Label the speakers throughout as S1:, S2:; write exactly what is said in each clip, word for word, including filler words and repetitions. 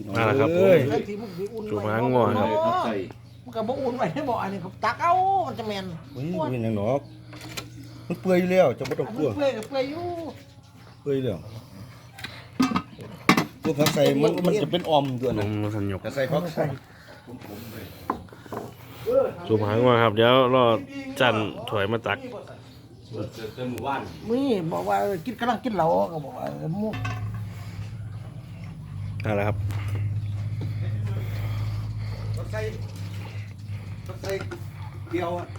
S1: มาแล้วครับผม จุ่มหางงัวครับ
S2: มันก็บ่อุ่นไว้ให้บ่อันนี้ตักเอามันจะแม่น
S3: เฮ้ยเป็นหยังหนอกมันเปื่อยอยู่แล้วจะไม่ต้อง
S2: อัน
S3: กลั
S2: นี้
S3: ว
S2: เปื่อยก็เปื่อยอยู่
S3: เปื่อยแล้วตัวผักใส่มันมันจะเป็นออมตัว
S1: น
S3: นะ
S1: มสัญญก
S3: แต่ใส่ผักใส่
S1: จุ่มหางงัวครับเดี๋ยวรอจันถอยมาตัก
S2: มีบอกว่ากินกำลังกินเหล้าก็บอกว่าหมู
S1: นั่นแหละครับ
S3: ผักใส่ผักใส่เดียวอ่ะ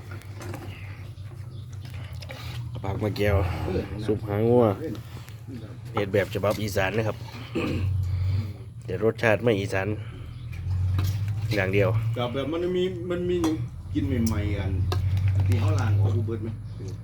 S1: ปากมะแก้วสุปหางงัวเห็ดแบบฉบับอีสานนะครับเดี๋ยวรสชาติไม่อีสานอย่างเดียว
S3: กับแบบมันมีมันมีหยังกินใหม่ๆกันที่เขาล้างของกูเบิดไหม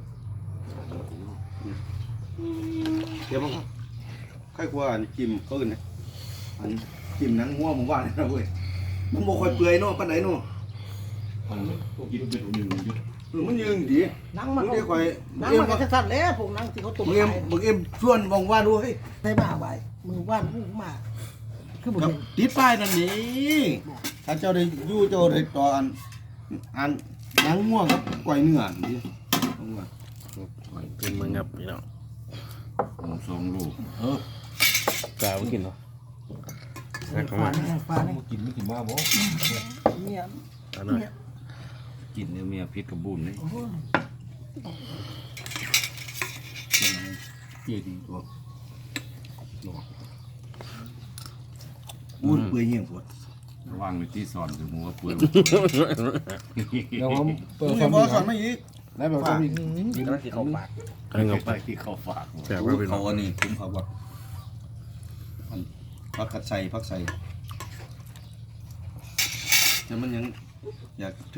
S3: เดี๋ยวมันใครกว่าอันจิ้มเขาอื่นนะอันจิ้มหนังหัวหมูว่าเลยนะเว้ยมันบ่ค่อยเปื่อยเนาะปานไหนเนาะ
S4: มันกินเป็นหนึ่งยุด
S3: เออมันยืงดี
S2: หนังมัน
S3: มึงได้ค่อย
S2: หนัง
S3: เอ็ม
S2: มันก็สั้นๆแล้วพวกหนังที่เขาตุ่ม
S3: มึงเอ็ม
S2: ขาย
S3: มึงเอ็มชวนบอกว่าดูเฮ้ย
S2: ได้มาไว้มือว่านมือมาคือบ่
S3: ครับ
S2: เห็น
S3: ติดป้ายนั่นนี่ถ้าเจ้าได้อยู่เจ้าได้ต่ออันอันหนังง่วงครับก๋วยเนื้อนี่เอาว่า
S1: เป็นมึงครับพี่น้อง
S4: สองลูก
S3: เออก
S1: ล้าไปกินเหรอนักเข้า
S2: ฟ้า
S1: มา
S2: นี่ฟ้านี่
S4: กินไม่กินมาบ่
S2: เนี่ย
S1: เอาหน่อย
S4: กินเนี่ยเมียพิษกับบุญนี่
S2: โอ้โห
S4: เจี๊ยดีตัว
S3: อุ้นเปื่อยเหี้ยงปวด
S4: ระวังในที่สอนคือหัวเปลือย
S5: เดี๋ยวผมเปิ
S3: มึ
S5: ด
S3: ง
S5: ควา
S3: จะ
S5: ม
S3: บอก
S5: ดี
S3: สอนไม่อีก
S5: แล้วแบบความดี
S2: กำลังสิเข้าปาก
S1: กำลังเอา
S4: ไป
S1: ไป
S4: ที่เขาฝาก
S1: แจกไว้พี่น้
S3: เขา
S1: อง
S3: อันนี้คุ้มเขาบอกมันพักกัดใส่พักใส่แต่มันยังอยาก